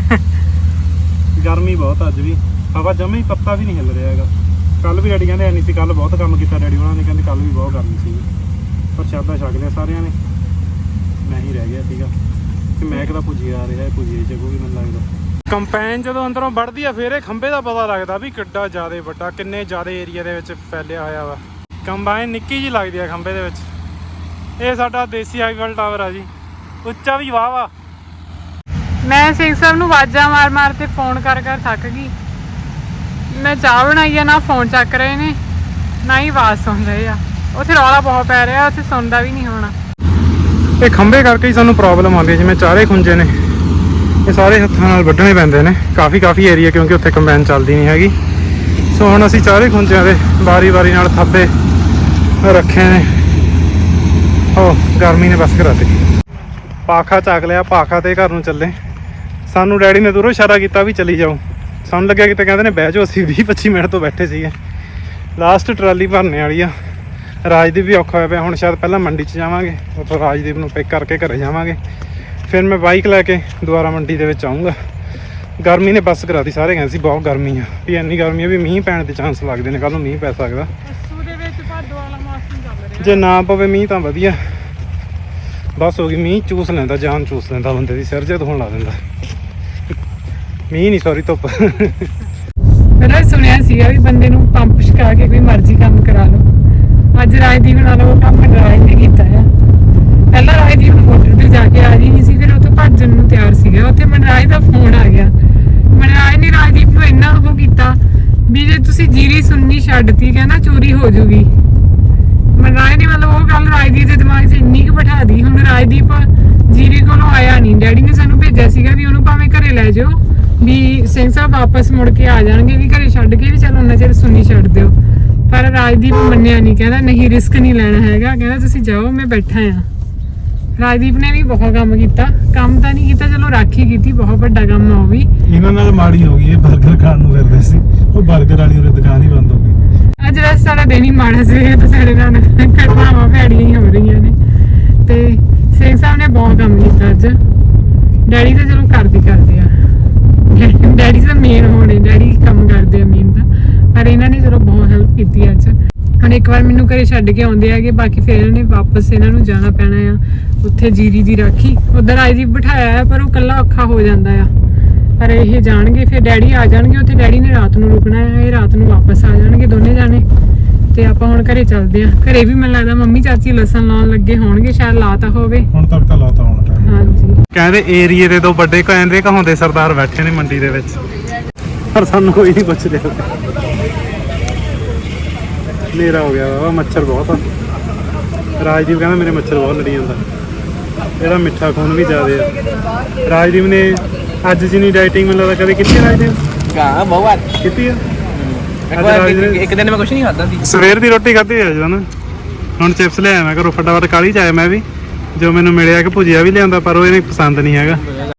S1: ਗਰਮੀ ਬਹੁਤ ਅੱਜ ਵੀ, ਹਵਾ ਜਮੇ ਹੀ ਪੱਤਾ ਵੀ ਨਹੀਂ ਹਿੱਲ ਰਿਹਾ ਹੈਗਾ। ਕੱਲ ਵੀ ਡੈਡੀ ਕਹਿੰਦੇ ਐ ਨਹੀਂ ਸੀ, ਕੱਲ ਬਹੁਤ ਕੰਮ ਕੀਤਾ ਡੈਡੀ ਉਹਨਾਂ ਨੇ, ਕਹਿੰਦੇ ਕੱਲ ਵੀ ਬਹੁਤ ਗਰਮੀ ਸੀ। ਪ੍ਰਸ਼ਾਦਾ ਛਕ ਲਿਆ ਸਾਰਿਆਂ ਨੇ, ਮੈਂ ਹੀ ਰਹਿ ਗਿਆ ਸੀਗਾ ਕਿ ਮੈਂ ਕਿਹਦਾ ਪੁੱਜੀ ਆ ਰਿਹਾ, ਪੁੱਜੀ ਜਗੂਗੀ ਮੈਨੂੰ ਲੱਗਦਾ। ਕੰਪੈਨ ਜਦੋਂ ਅੰਦਰੋਂ ਵੱਢਦੀ ਆ ਫਿਰ ਇਹ ਖੰਭੇ ਦਾ ਪਤਾ ਲੱਗਦਾ ਵੀ ਕਿੱਡਾ ਜ਼ਿਆਦਾ ਵੱਡਾ, ਕਿੰਨੇ ਜ਼ਿਆਦਾ ਏਰੀਆ ਦੇ ਵਿੱਚ ਫੈਲਿਆ ਹੋਇਆ ਵਾ। ਕੰਬਾਈਨ ਨਿੱਕੀ ਜਿਹੀ ਲੱਗਦੀ ਆ ਖੰਭੇ ਦੇ ਵਿੱਚ। ਇਹ ਸਾਡਾ ਦੇਸੀ ਹਾਈਵਲ ਟਾਵਰ ਆ ਜੀ, ਉੱਚਾ ਵੀ ਵਾਹ ਵਾ।
S2: ਮੈਂ ਸਿੰਘ ਸਾਹਿਬ ਨੂੰ ਆਵਾਜ਼ਾਂ ਮਾਰ ਮਾਰ ਤੇ ਫੋਨ ਕਰ ਕਰ ਥੱਕ ਗਈ। ਮੈਂ ਚਾਹ ਬਣਾਈ ਆ, ਨਾ ਫੋਨ ਚੱਕ ਰਹੇ ਨੇ ਨਾ ਹੀ ਆਵਾਜ਼ ਸੁਣ ਰਹੇ ਆ। ਉੱਥੇ ਰੌਲਾ ਬਹੁਤ ਪੈ ਰਿਹਾ, ਉੱਥੇ ਸੁਣਦਾ ਵੀ ਨਹੀਂ ਹੋਣਾ। ਇਹ ਖੰਭੇ ਕਰਕੇ ਹੀ ਸਾਨੂੰ ਪ੍ਰੋਬਲਮ ਆਉਂਦੀ ਹੈ। ਜਿਵੇਂ ਚਾਰੇ ਖੁੰਝੇ ਨੇ, ਇਹ ਸਾਰੇ ਹੱਥਾਂ ਨਾਲ ਵੱਢਣੇ ਪੈਂਦੇ ਨੇ ਕਾਫੀ ਕਾਫੀ ਏਰੀਆ, ਕਿਉਂਕਿ ਉੱਥੇ ਕੰਬਾਈਨ ਚੱਲਦੀ ਨਹੀਂ ਹੈਗੀ। ਸੋ ਹੁਣ ਅਸੀਂ ਚਾਰੇ ਖੁੰਝਿਆਂ ਦੇ ਵਾਰੀ ਵਾਰੀ ਨਾਲ ਥੱਬੇ ਰੱਖੇ ਨੇ। ਹੋ ਗਰਮੀ ਨੇ ਬਸ ਕਰਾਤੀ। ਪਾਖਾ ਚੱਕ ਲਿਆ, ਪਾਖਾ ਤੇ ਘਰ ਨੂੰ ਚੱਲੇ। ਸਾਨੂੰ ਡੈਡੀ ਨੇ ਦੂਰੋਂ ਇਸ਼ਾਰਾ ਕੀਤਾ ਵੀ ਚਲੀ ਜਾਓ। ਸਾਨੂੰ ਲੱਗਿਆ ਕਿਤੇ ਕਹਿੰਦੇ ਨੇ ਬਹਿ ਜਾਓ, ਅਸੀਂ ਵੀਹ ਪੱਚੀ ਮਿੰਟ ਤੋਂ ਬੈਠੇ ਸੀਗੇ। ਲਾਸਟ ਟਰਾਲੀ ਭਰਨੇ ਵਾਲੀ ਆ। ਰਾਜਦੀਪ ਵੀ ਔਖਾ ਹੋਇਆ ਪਿਆ, ਹੁਣ ਸ਼ਾਇਦ ਪਹਿਲਾਂ ਮੰਡੀ 'ਚ ਜਾਵਾਂਗੇ, ਉੱਥੋਂ ਰਾਜਦੀਪ ਨੂੰ ਪਿਕ ਕਰਕੇ ਘਰੇ ਜਾਵਾਂਗੇ। ਫਿਰ ਮੈਂ ਬਾਈਕ ਲੈ ਕੇ ਦੁਬਾਰਾ ਮੰਡੀ ਦੇ ਵਿੱਚ ਆਊਂਗਾ। ਗਰਮੀ ਨੇ ਬੱਸ ਕਰਾਤੀ, ਸਾਰੇ ਕਹਿੰਦੇ ਸੀ ਬਹੁਤ ਗਰਮੀ ਆ, ਵੀ ਇੰਨੀ ਗਰਮੀ ਆ ਵੀ ਮੀਂਹ ਪੈਣ ਦੇ ਚਾਂਸ ਲੱਗਦੇ ਨੇ, ਕੱਲ੍ਹ ਨੂੰ ਮੀਂਹ ਪੈ ਸਕਦਾ। ਜੇ ਨਾ ਪਵੇ ਮੀਂਹ ਤਾਂ ਵਧੀਆ, ਬਸ ਹੋ ਗਈ। ਮੀਂਹ ਚੂਸ ਲੈਂਦਾ, ਜਾਨ ਚੂਸ ਲੈਂਦਾ ਬੰਦੇ ਦੀ, ਸਿਰ ਜੇ ਧੋਣ ਲਾ ਦਿੰਦਾ। ਮੀਂਹ ਨਹੀਂ ਸੌਰੀ ਧੁੱਪ। ਪਹਿਲਾਂ ਸੁਣਿਆ ਸੀਗਾ ਵੀ ਬੰਦੇ ਨੂੰ ਪੰਪ ਛਕਾ ਕੇ ਕੋਈ ਮਰਜ਼ੀ ਕੰਮ ਕਰਾ ਲਓ। ਅੱਜ ਰਾਜਦੀਪ ਨਾਲ ਉਹ ਕੰਮ ਰਾਜ ਨੇ ਕੀਤਾ ਆ। ਪਹਿਲਾਂ ਰਾਜਦੀਪ ਨੂੰ ਮੋਟਰ ਤੇ ਜਾ ਕੇ ਆ ਰਹੀ ਨਹੀਂ ਸੀ, ਫਿਰ ਉਹ ਤੋਂ ਭੱਜਣ ਨੂੰ ਤਿਆਰ ਸੀਗਾ। ਉੱਥੇ ਮਨਰਾਜ ਦਾ ਫੋਨ ਆ ਗਿਆ। ਮਨਰਾਜ ਨੇ ਰਾਜਦੀਪ ਨੂੰ ਇੰਨਾ ਉਹ ਕੀਤਾ ਵੀ ਜੇ ਤੁਸੀਂ ਜੀਰੀ ਸੁਣਨੀ ਛੱਡਤੀ, ਕਹਿੰਦਾ ਚੋਰੀ ਹੋ ਜੂਗੀ। ਮਨਰਾਜ ਨੇ ਮਤਲਬ ਉਹ ਗੱਲ ਰਾਜਦੀਪ ਦੇ ਦਿਮਾਗ 'ਚ ਇੰਨੀ ਕੁ ਬਿਠਾ ਦੀ। ਹੁਣ ਰਾਜਦੀਪ ਜੀਰੀ ਕੋਲੋਂ ਆਇਆ ਨਹੀਂ, ਡੈਡੀ ਨੇ ਸਾਨੂੰ ਭੇਜਿਆ ਸੀਗਾ ਵੀ ਉਹਨੂੰ ਭਾਵੇਂ ਘਰੇ ਲੈ ਜਾਓ, ਵੀ ਸਿੰਘ ਸਾਹਿਬ ਵਾਪਸ ਮੁੜ ਕੇ ਆ ਜਾਣਗੇ, ਵੀ ਘਰੇ ਛੱਡ ਕੇ ਵੀ ਚਲ ਉਹਨਾਂ ਚਿਰ ਸੁਣਨੀ ਛੱਡ ਦਿਓ। ਪਰ ਰਾਜਦੀਪ ਮੰਨਿਆ ਨਹੀਂ, ਕਹਿੰਦਾ ਨਹੀਂ ਰਿਸਕ ਨਹੀਂ ਲੈਣਾ ਹੈਗਾ, ਕਹਿੰਦਾ ਤੁਸੀਂ ਜਾਓ ਮੈਂ ਬੈਠਾ ਆ। ਰਾਜਦੀਪ ਨੇ ਵੀ ਬਹੁਤ ਕੰਮ ਕੀਤਾ, ਕੰਮ ਤਾਂ ਨਹੀਂ ਕੀਤਾ, ਚਲੋ ਰਾਖੀ ਕੀਤੀ, ਬਹੁਤ ਵੱਡਾ ਕੰਮ ਆ ਉਹ ਵੀ।
S1: ਇਹਨਾਂ ਨਾਲ ਮਾੜੀ ਹੋ ਗਈ, ਇਹ 버ਗਰ ਖਾਣ ਨੂੰ ਫਿਰਦੇ ਸੀ, ਉਹ 버ਗਰ ਵਾਲੀ ਉਹਦੀ ਦੁਕਾਨ ਹੀ ਬੰਦ ਹੋ ਗਈ।
S2: ਅੱਜ ਵੈਸੇ ਸਾਡਾ ਦਿਨ ਹੀ ਮਾੜਾ ਸੀ, ਤਾਂ ਸਾਡੇ ਨਾਲ ਘਟਨਾਵਾਂ ਭੈੜੀਆਂ ਹੀ ਹੋ ਰਹੀਆਂ ਨੇ। ਤੇ ਸਿੰਘ ਸਾਹਿਬ ਨੇ ਬਹੁਤ ਕੰਮ ਕੀਤਾ ਅੱਜ। ਡੈਡੀ ਤਾਂ ਚਲੋ ਕਰਦੇ ਕਰਦੇ ਆ, ਡੈਡੀ ਤਾਂ ਮੇਨ ਹੋਣੇ, ਡੈਡੀ ਕੰਮ ਕਰਦੇ ਆ ਮੇਨ ਤਾਂ, ਪਰ ਇਹਨਾਂ ਨੇ ਚਲੋ ਬਹੁਤ ਹੈਲਪ ਕੀਤੀ ਅੱਜ। ਹੁਣ ਇੱਕ ਵਾਰ ਮੈਨੂੰ ਘਰੇ ਛੱਡ ਕੇ ਆਉਂਦੇ ਹੈਗੇ, ਬਾਕੀ ਫਿਰ ਇਹਨਾਂ ਨੇ ਵਾਪਸ ਇਹਨਾਂ ਨੂੰ ਜਾਣਾ ਪੈਣਾ ਆ ਉੱਥੇ ਜੀਰੀ ਦੀ ਰਾਖੀ। ਉੱਧਰ ਆਈ ਜੀ ਬਿਠਾਇਆ, ਪਰ ਉਹ ਇਕੱਲਾ ਔਖਾ ਹੋ ਜਾਂਦਾ ਆ। ਪਰ ਇਹ ਜਾਣਗੇ, ਫਿਰ ਡੈਡੀ ਆ ਜਾਣਗੇ ਉੱਥੇ, ਡੈਡੀ ਨੇ ਰਾਤ ਨੂੰ ਰੁਕਣਾ ਹੈ, ਇਹ ਰਾਤ ਨੂੰ ਵਾਪਸ ਆ ਜਾਣਗੇ ਦੋਨੇ ਜਾਣੇ। ਤੇ ਆਪਾਂ ਹੁਣ ਘਰੇ ਚੱਲਦੇ ਆ। ਘਰੇ ਵੀ ਮੈਨੂੰ ਲੱਗਦਾ ਮੰਮੀ ਚਾਚੀ ਲਸਣ ਲਾਉਣ ਲੱਗੇ ਹੋਣਗੇ, ਸ਼ਾਇਦ ਲਾਤਾ ਹੋਵੇ।
S1: ਹੁਣ ਤੱਕ ਤਾਂ ਲਾਤਾ ਹੋਣਾ ਟਾਈਮ।
S2: ਹਾਂਜੀ,
S1: ਕਹਿੰਦੇ ਏਰੀਏ ਦੇ ਦੋ ਵੱਡੇ ਕਹਿੰਦੇ ਕਹਾਉਂਦੇ ਸਰਦਾਰ ਬੈਠੇ ਨੇ ਮੰਡੀ ਦੇ ਵਿੱਚ। ਪਰ ਸਾਨੂੰ ਕੋਈ ਨਹੀਂ ਪੁੱਛ ਰਿਹਾ। ਹਨੇਰਾ ਹੋ ਗਿਆ ਵਾ, ਮੱਛਰ ਬਹੁਤ ਆ। ਰਾਜਦੀਪ ਕਹਿੰਦਾ ਮੇਰੇ ਮੱਛਰ ਬਹੁਤ ਲੜੀ ਜਾਂਦਾ, ਇਹਦਾ ਮਿੱਠਾ ਖੂਨ ਵੀ ਜ਼ਿਆਦਾ ਆ। ਰਾਜਦੀਪ ਨੇ ਅੱਜ ਜਿੰਨੀ ਡਾਈਟਿੰਗ ਮੈਨੂੰ ਲੱਗਦਾ ਕਦੇ ਕੀਤੀ। ਰਾਜਦੀਪ
S3: ਹਾਂ ਬਹੁਤ
S1: ਕੀਤੀ ਆ।
S3: ਇੱਕ ਵਾਰ ਇੱਕ ਦਿਨ ਮੈਂ ਕੁਝ ਨਹੀਂ ਖਾਦਾ ਸੀ।
S1: ਸਵੇਰ ਦੀ ਰੋਟੀ ਖਾਧੀ ਹੈ ਜਨ। ਹੁਣ ਚਿਪਸ ਲਿਆਇਆ ਮੈਂ ਘਰੋਂ ਫਟਾਫਟ, ਕਾਹਲੀ ਚ ਆਇਆ ਮੈਂ ਵੀ। ਜੋ ਮੈਨੂੰ ਮਿਲਿਆ ਕਿ ਭੁਜੀਆ ਵੀ ਲਿਆਂਦਾ ਪਰ ਉਹ ਇਹਨੇ ਪਸੰਦ ਨਹੀਂ ਹੈਗਾ।